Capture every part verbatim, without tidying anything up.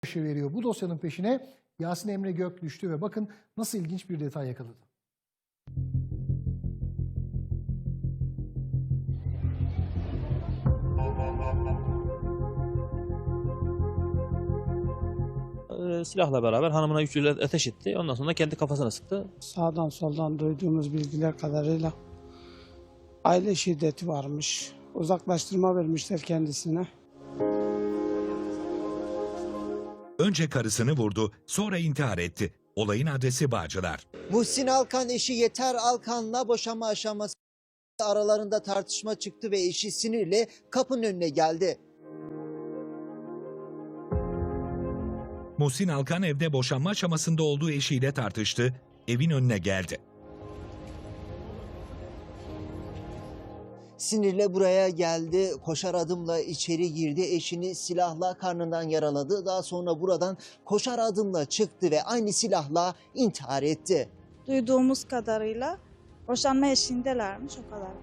veriyor. Bu dosyanın peşine Yasin Emre Gök düştü ve bakın nasıl ilginç bir detay yakaladı. Silahla beraber hanımına üç yıl ateş etti. Ondan sonra kendi kafasına sıktı. Sağdan soldan duyduğumuz bilgiler kadarıyla aile şiddeti varmış. Uzaklaştırma vermişler kendisine. Önce karısını vurdu, sonra intihar etti. Olayın adresi Bağcılar. Muhsin Alkan eşi Yeter Alkan'la boşanma aşaması aralarında tartışma çıktı ve eşi sinirle kapının önüne geldi. Muhsin Alkan evde boşanma aşamasında olduğu eşiyle tartıştı, evin önüne geldi. Sinirle buraya geldi, koşar adımla içeri girdi, eşini silahla karnından yaraladı. Daha sonra buradan koşar adımla çıktı ve aynı silahla intihar etti. Duyduğumuz kadarıyla boşanma eşiğindelermiş, o kadar.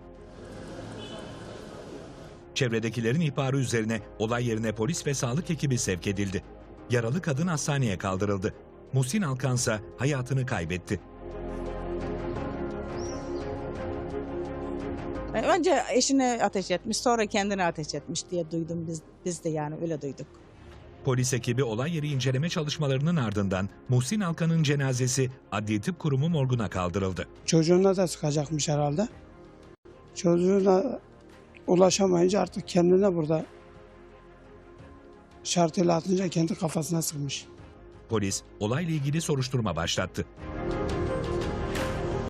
Çevredekilerin ihbarı üzerine olay yerine polis ve sağlık ekibi sevk edildi. Yaralı kadın hastaneye kaldırıldı. Muhsin Alkan ise hayatını kaybetti. Önce eşine ateş etmiş, sonra kendine ateş etmiş diye duydum biz, biz de yani öyle duyduk. Polis ekibi olay yeri inceleme çalışmalarının ardından Muhsin Alkan'ın cenazesi Adli Tıp Kurumu morguna kaldırıldı. Çocuğuna da sıkacakmış herhalde. Çocuğuna ulaşamayınca artık kendine burada şartıyla atınca kendi kafasına sıkmış. Polis olayla ilgili soruşturma başlattı.